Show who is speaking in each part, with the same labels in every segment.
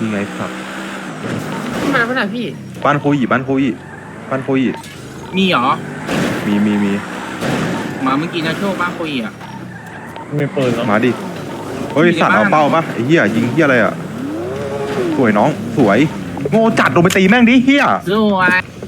Speaker 1: ไงสัตว์
Speaker 2: มาเมื่อไหร่พี่
Speaker 1: บ้านโคอีบ้านโคอีบ้านโคอี
Speaker 3: มีเหรอ
Speaker 1: มี
Speaker 3: มาเมื่อกี้นะโชคบ้านคุยอ่ะ
Speaker 4: มีปืนเหรอ
Speaker 1: มาดิเฮ้ยสัตว์เอาเป้าปะไอ้เหี้ยยิงเหี้ยอะไรอ่ะสวยน้องสวยโง่จัดลงไปตีแม่งดิเหี้ย
Speaker 3: สวย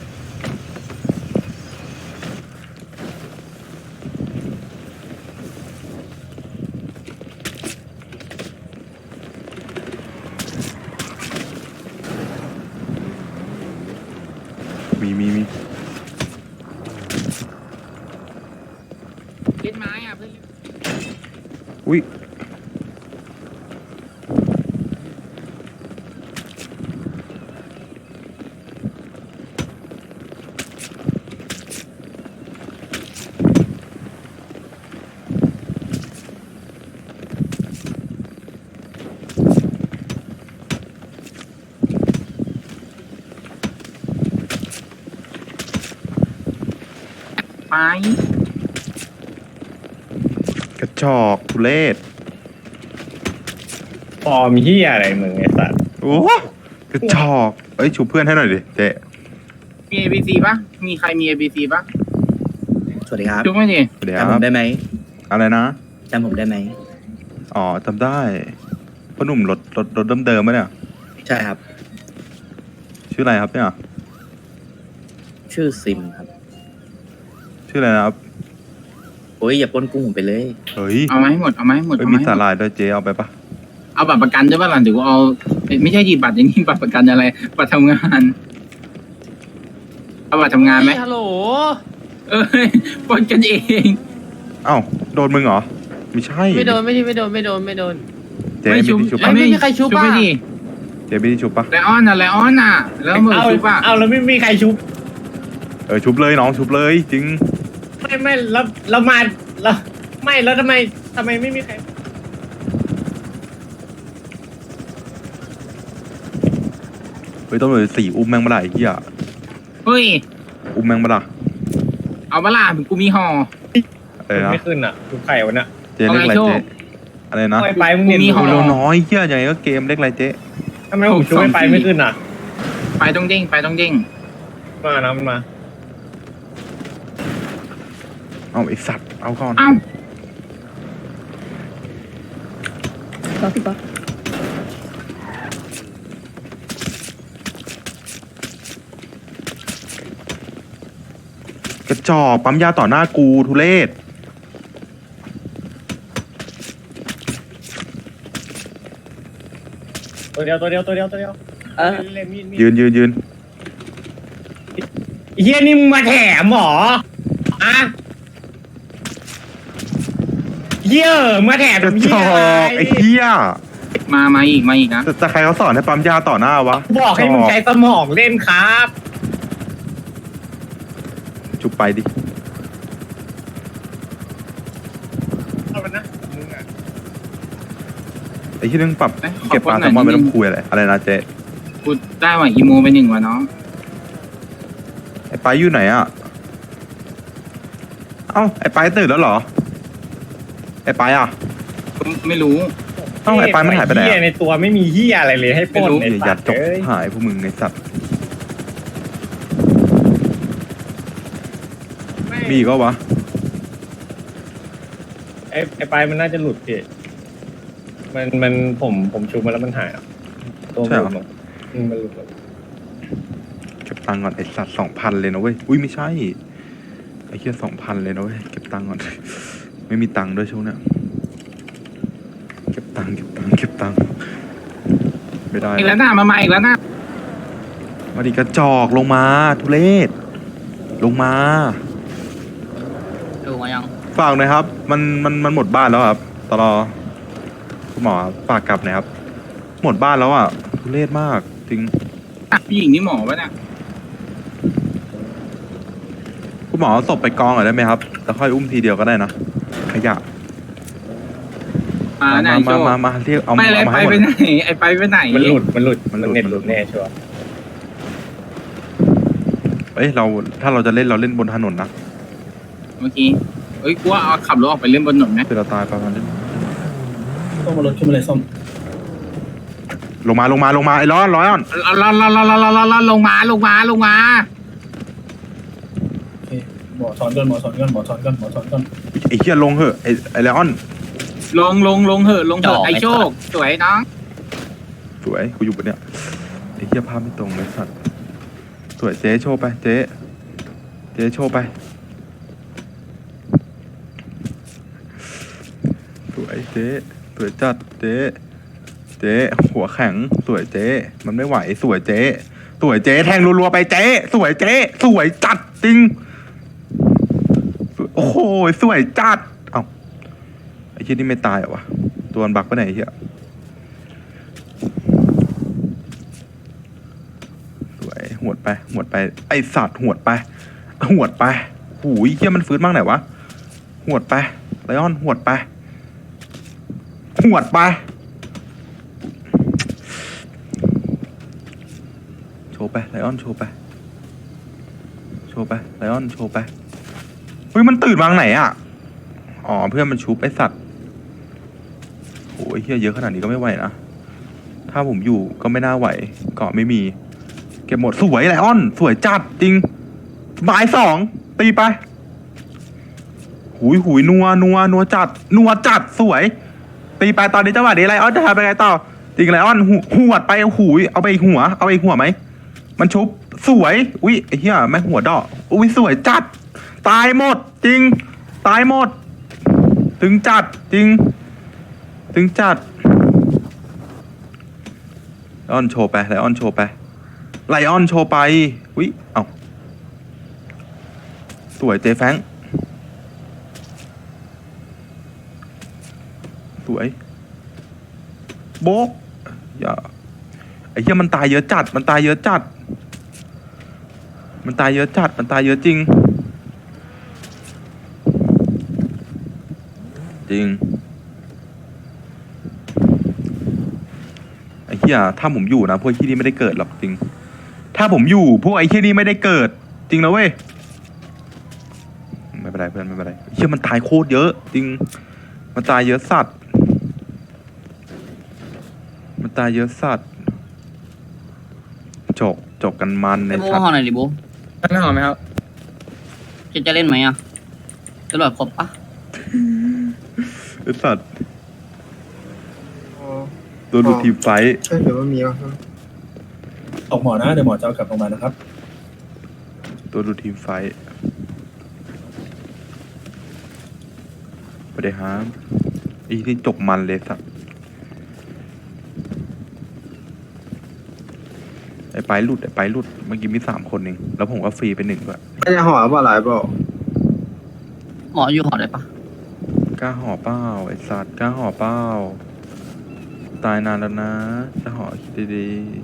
Speaker 1: มี
Speaker 3: เล่นไม้อ่ะเพื่อน
Speaker 1: อุ้ย
Speaker 3: ไม้
Speaker 1: กระจอกทุเรศ
Speaker 4: ฟอร์มเฮียอะไรมึงไอ้สัตว์
Speaker 1: โอ้กระจอกเอ้ยชูเพื่อนให้หน่อยดิเจ๊
Speaker 3: มี ABC ป่ะมีใครมี ABC ป่ะ
Speaker 5: สวัสดีครับ
Speaker 3: จุ๊บไม่ดิ
Speaker 1: เดี๋ยว
Speaker 5: จำผมได้ไหม
Speaker 1: อะไรนะ
Speaker 5: จำผมได้ไหม
Speaker 1: อ๋อจำได้พ่อหนุ่มรถเดิมๆไหมเนี่ย
Speaker 5: ใช่ครับ
Speaker 1: ชื่ออะไรครับเนี่ย
Speaker 5: ชื่อซิมครับ
Speaker 1: ชื่ออะไรนะครับ
Speaker 5: โอ้ยอย่าปล้นกุ้งผมไปเลย
Speaker 1: เฮ้ย
Speaker 3: เอามาให้หมดเอามาให้หมด
Speaker 1: เฮ้ย
Speaker 3: เอา
Speaker 1: มี
Speaker 3: มาให้
Speaker 1: สา
Speaker 3: หมด
Speaker 1: หร่ายด้วยเจ๊เอาไปปะ
Speaker 3: เอาบัตรประกันด้วยป่ะล่ะเดี๋ยวกูเอาไม่ใช่ดีบัตรอย่างนี้บัตรประกันอะไรบัตรทำงานเอาบัตรทำงานไหม
Speaker 2: ฮัลโหล
Speaker 3: เอ้ยปนกันเอง
Speaker 1: เอ้าโดนมึงเหรอไม่ใช่
Speaker 2: ไม่โดนไม่โดน
Speaker 1: เจ๊ไม่ได้ชุบปะ
Speaker 2: ไม่มีใครชุบ
Speaker 3: ไม่
Speaker 2: ป่ะ
Speaker 3: ดิ
Speaker 1: เจ๊ไม่ได้ชุบปะ
Speaker 3: ไลออนอ่ะไลออนอ่ะแล้วมือชุบอ่ะ
Speaker 4: เอาแล้วไม่มีใครชุบ
Speaker 1: ชุบเลยน้องชุบเลยจริง
Speaker 4: ไม่แล้วเรามาแล้วไม่แล้วทำไมไม่มีใคร
Speaker 1: เฮ้ยต้องเลย4อุ้มแม่งมาละไอ้เหี้ย
Speaker 3: เฮ้ย
Speaker 1: อุ้มแม่งมาละ
Speaker 3: เอาเวลากูมีห่อ
Speaker 1: อะไรนะ
Speaker 4: ไม่ขึ้นอ่ะชุบไข่วะน่ะ
Speaker 1: เจ๊เล็กอะไร
Speaker 3: เอาไงโชค
Speaker 1: เจ๊อะไรนะ
Speaker 4: ไม่ไปมึงเห็น
Speaker 3: กูมีห่
Speaker 1: โอ้โหน้อยเหี้ยยังไงก็เกมเล็กอะไรเจ๊
Speaker 4: ทำไมผมชุบไม่ไปไม่ขึ้นอ่ะ
Speaker 3: ไปต้องเด้งไปต้องเด้ง
Speaker 4: มานะมันมา
Speaker 1: เอาไอสัตว์เอาก่อน
Speaker 3: เอ้า
Speaker 1: กระจอกปั๊มยาต่อหน้ากูทุเรศ
Speaker 4: ตัวเดียว
Speaker 1: ยืน
Speaker 4: เฮียนี่มึงมาแถมหรออะเฮียมาแถม
Speaker 1: กระจ
Speaker 4: เฮีย
Speaker 1: อ
Speaker 4: อะไร
Speaker 1: กไอ้เหี้ย
Speaker 3: มาอีกนะ
Speaker 1: แต่ใครเขาสอนให้ปั๊มยาต่อหน้าวะ
Speaker 4: บอกให้มึงใช้สมองเล่นครับ
Speaker 1: ชุบไปดิ
Speaker 4: เอาไปนะมึงอ่ะ
Speaker 1: ไอ้ที่นึงปรับ
Speaker 3: เอ้ย
Speaker 1: เก็บปลา
Speaker 3: ขอโพสต์หน่
Speaker 1: แซล
Speaker 3: อย
Speaker 1: มอนไม่
Speaker 3: นิดนึ
Speaker 1: ต้อง งคุยอะไรนะเจ๊
Speaker 3: กูได้ว่ะอีโมไป1ว่ะน้อง
Speaker 1: ไอ้ไปอยู่ไหนอ่ะเอ้าไอ้ไปตื่นแล้วเหรอไอ้ไปอ่ะ
Speaker 3: ไม่รู้
Speaker 1: เอ้าไอ้ไปมันหายไปไหน
Speaker 4: เฮีย
Speaker 1: อะ
Speaker 4: ในตัวไม่มีเฮียอะไรเลยให้ปล้น
Speaker 3: ไม่รู้
Speaker 4: ไอ้
Speaker 1: อย่า
Speaker 4: สั
Speaker 1: ยั
Speaker 4: ต
Speaker 1: ด
Speaker 4: ว์
Speaker 1: จก
Speaker 4: เอ้ย
Speaker 1: หายพวกมึงไอ้สัตว์มีอีก็วะ
Speaker 4: ไอ้ไปมันน่าจะหลุดพี่มันผมชุบมาแล้วมันหายอ่ะตัวมันหลุดมันหลุด
Speaker 1: เก็บตังค์ก่อนไอ้สัตว์2,000เลยนะเว้ยอุ้ยไม่ใช่ไอ้เหี้ย2,000เลยนะเว้ยเก็บตังค์ก่อน ไม่มีตังค์ด้วยช่วงเนี้ยเก็บตังค์ไม่ได้
Speaker 3: อีกแล้วนะมาอีกแล้วนะ
Speaker 1: มาดิกระจอกลงมาทุเรศลงมา
Speaker 3: ดูมายัง
Speaker 1: ฝากหน่อยครับ มันหมดบ้านแล้วครับตลอคุณหมอฝากกลับหน่อยครับ หมดบ้านแล้วอ่ะทุเรศมากจริง
Speaker 3: ผู้หญิงนี่หมอปะเนี่ย
Speaker 1: คุณหมอเอาศพไปกองหน่อยได้ไหมครับแล้วค่อยอุ้มทีเดียวก็ได้นะขยะ
Speaker 3: ไหนโชว์
Speaker 1: มาเรียกเอา
Speaker 3: ไม่เลย
Speaker 1: มา
Speaker 3: ไป
Speaker 1: ให้หม
Speaker 3: ไป
Speaker 1: ด
Speaker 3: ไหนไอ้ไปไหน
Speaker 4: มันหลุดมันเน็ต
Speaker 1: มัน
Speaker 4: ห
Speaker 1: หลุ
Speaker 4: ลุ
Speaker 1: ด
Speaker 4: ดแน่ชัวร์
Speaker 1: เอ้ยถ้าเราจะเล่นเราเล่นบนถนนนะ
Speaker 3: เมื่อกี้เอ้ยกูว่าเอาขับรถออกไปเล่นบนถนนไหม
Speaker 1: คือเราตายประมาณนี้
Speaker 5: ส้มมารถขึ้นมาเลยส้ม
Speaker 1: รลงมาไอ้ร้อน
Speaker 3: ลงมา
Speaker 4: หมอสอนก่อน
Speaker 1: ไอ้เหี้ยลงเหอะไอ้ไลออน
Speaker 3: ลงเหอะไอ้โชคสวยน้อง
Speaker 1: สวยกูอยู่บนเนี้ยไอ้เหี้ยภาพไม่ตรงเลยสัตว์สวยเจ๊โชว์ไปเจ๊โชว์ไปสวยเจ๊สวยจัดเจ๊หัวแข็งสวยเจ๊มันไม่ไหวสวยเจ๊แทงรัวๆไปเจ๊สวยเจ๊สวยจัดจริงโอ้โหสวยจัดเอ้าไอ้เหี้ยนี่ไม่ตายเหรอวะตัวมันบักไปไหนไอ้เหี้ยสวยหวดไปไอสัตว์หวดไปหูยเหี้ยมันฟื้นบ้างไหนวะหวดไปไลออนหวดไปโชว์ไปไลออนโชว์ไปไลออนโชว์ไปเฮ้ยมันตื่นมาไหนอ่ะอ๋อเพื่อนมันชุบไอสัตว์โอ้ยเหี้ยเยอะขนาดนี้ก็ไม่ไหวนะถ้าผมอยู่ก็ไม่น่าไหวเกาะไม่มีเก็บหมดสวยไลออนสวยจัดจริงบ่าย2ตีไปหุยนัวจัดสวยตีไปตอนนี้จังหวะนี้ไลออนจะทำไปไงต่อจริงไลออนหวดไปหุยเอาไปอีกหัวไหมมันชุบสวยอุ้ยไอ้เหี้ยแม่งหัวดอกอุ้ยสวยจัดตายหมดจริงตายหมดถึงจัดจริงถึงจัดไลออนโชว์ไปไลออนโชว์ไปอุ้ยเอ้าสวยเจแฟงสวยโบ๊กอย่าไอ้เหี้ยมันตายเยอะจัดมันตายเยอะจริงไอ้เหี้ยถ้าผมอยู่นะพวกไอ้เหี้ยนี่ไม่ได้เกิดหรอกจริงถ้าผมอยู่พวกไอ้เหี้ยนี่ไม่ได้เกิดจริงนะเว้ยไม่เป็นไรเพื่อนไม่เป็นไรเหี้ยมันตายโคตรเยอะจริงมันตายเยอะสัตว์จกกันมันใน
Speaker 6: ไอ้โบ
Speaker 1: สัต
Speaker 6: ห่อ
Speaker 1: ว์
Speaker 6: หน่อยดิโบ
Speaker 4: ไม่หอมไหมครับ
Speaker 6: จะเล่นไหมอ่ะตำรวจครบปะ
Speaker 1: ไอ้สัตว์โดนดูทีมไฟท์
Speaker 7: ใช่หรือว่ามีวะ
Speaker 4: ออกหมอนะเดี๋ยวหมอจะเอากลับโรงพยาบาลนะครับ
Speaker 1: ตัวดูทีมไฟท์ไปเลยฮะอีที่จกมันเลยสัตว์ไอ้ไปหลุดเมื่อกี้มี3 คนเองแล้วผมก็ฟรีไป1ด้วย
Speaker 7: ไม่ได้ห่อเปล่าหลายเปล่า
Speaker 6: หมออยู่ห่อได้ปะ
Speaker 1: กล้าห่อเป้าไอ้สัตว์กล้าห่อเป้าตายนานแล้วนะจะห่อคิดดี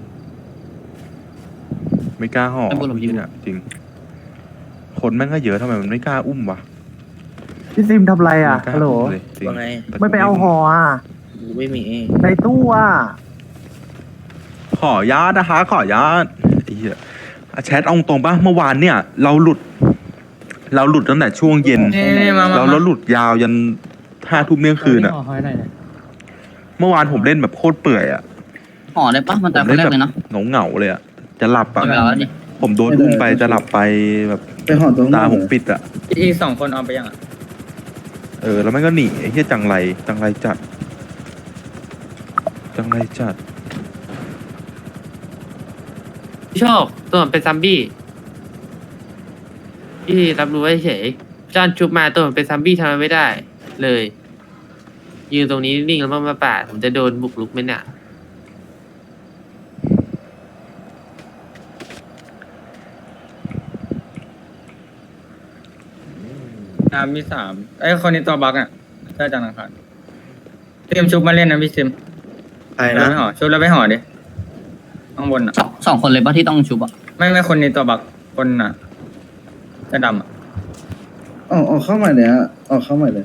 Speaker 1: ๆไม่กล้าห่อเนี่ยจริงคนแม่งก็เยอะทำไมมันไม่กล้าอุ้มวะ
Speaker 8: พี่ซิมทำไรอ่ะ
Speaker 1: มันกา
Speaker 8: ฮัลโหล
Speaker 1: อุ้มเลยจริง
Speaker 5: ว่าไง
Speaker 8: ไม่ไปเอาห่ออ่ะ
Speaker 5: กูไม่มี
Speaker 8: ในตู้อ่ะ
Speaker 1: ขอญาตนะคะขอญาตไอ้เหี้ยแชทเอาตรงป่ะเมื่อวานเนี่ย เราหลุดตั้งแต่ช่วงเย็นเราหลุดยาวยัน5 ทุ่มเที่ยงคืนอ่ะเมื่อวานผมเล่นแบบโคตรเปื่อยอ่ะ
Speaker 6: ห่อได้ปะมันตายคนแรกเลยเนาะ
Speaker 1: เหงาเลยอ่ะจะหลับอ่ะ
Speaker 6: เอาไปแล้วดิ
Speaker 1: ผมโดนอุ้มไปจะหลับไปแบบ
Speaker 7: ไปห่อตรง
Speaker 1: ตาผมปิดอ่ะ
Speaker 4: อีก2 คนเอาไปยังอ่ะ
Speaker 1: แล้วมันก็หนีไอ้เหี้ยจังไรจัด
Speaker 2: พี่โชคตัวมันเป็นซัมบี้พี่รับรู้ไว้เฉยจานชุบมาตัวมันเป็นซัมบี้ทำอะไรไม่ได้ เลยยืนตรงนี้นิ่งแล้วมาปาดผมจะโดนบุกรุกไหมเนี่ย
Speaker 4: มี3ไอ้คนนี้ตัวบั๊กอ่ะถ้าจันทร์อังคารเตรียมชุบมาเล่นนะพี่ซิม
Speaker 5: ใคร
Speaker 4: แล้ว
Speaker 5: นะ
Speaker 4: ไม่ห่อชุบแล้วไม่ห่อดิข้างบนอ่ะ
Speaker 6: สองคนเลยปะที่ต้องชุบอ่ะ
Speaker 4: ไม่คนนี้ตัวบั๊กคนอ่ะเสื้อดำอ่ะ
Speaker 7: ออกเข้าใหม่เลยฮะออกเข้าใหม่เลย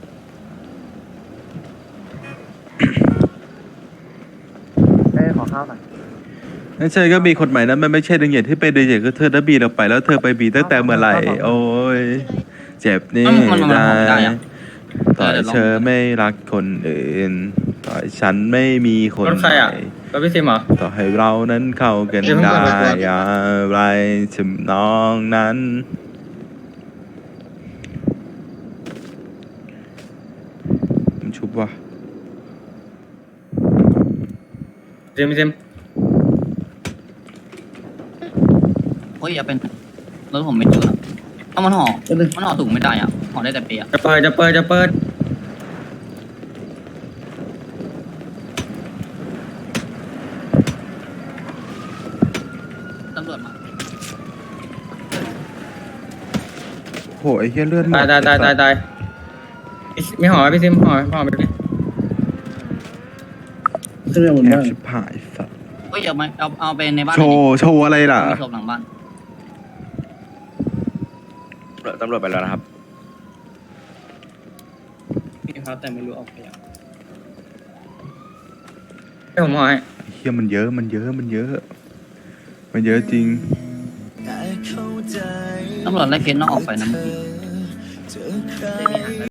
Speaker 8: เอ้ยขอข้าวหน่อย
Speaker 1: ไม่ใช่ก็มีคนใหม่นั้นมันไม่ใช่ดึงเหยียดที่ไปดึงเหยียดก็เธอได้บีเราไปแล้วเธอไปบีตั้งแต่เมื่อไหร่โอ้ยเจ็บนี่ได้ต่อยเธอไม่รักคนอื่นต่อยฉันไม่มีคน
Speaker 4: รถใครอ่ะ
Speaker 1: ใหม่
Speaker 4: ไปแล้วพี่ซิมเหรอ
Speaker 1: ต่อให้เรานั้นเข้ากัน
Speaker 4: เดี๋ยวเพิ่ง
Speaker 1: ได้
Speaker 4: เปิดตัว
Speaker 1: อย่างไรทำนองนั้นมันชุบวะ
Speaker 4: ซิมซิม
Speaker 6: เฮ้ยอย่าเป็นรถผมไม่เจออะเอามันห่อ
Speaker 7: ก็เลย
Speaker 6: มันห่อถุงไม่ได้อ่ะห่อได้แต่เปียก
Speaker 4: จะเปิด
Speaker 6: ตำรวจมา
Speaker 1: โหไอ้เหี้ยเลือดหมด
Speaker 4: ตายมีห่อไหมพี่ซิมห่อไปดิ
Speaker 7: ขึ้นไปบน
Speaker 1: แอ
Speaker 7: บ้า
Speaker 1: บ
Speaker 7: น
Speaker 1: ชิบหายสัตว์
Speaker 6: เฮ้ยเอาไปในบ้าน
Speaker 1: โชว์อะไรล่ะ
Speaker 6: มีศพหลังบ้าน
Speaker 5: ตำรวจไปแล้วนะครับ
Speaker 4: พี่ครับแต่ไม่รู้ออกไปยังให้ผมห่อให้
Speaker 1: ไอ้เหี้ยมันเยอะมันเยอะจริง
Speaker 6: ตำรวจไล่เคสน้องออกไปนะเมื่อกี้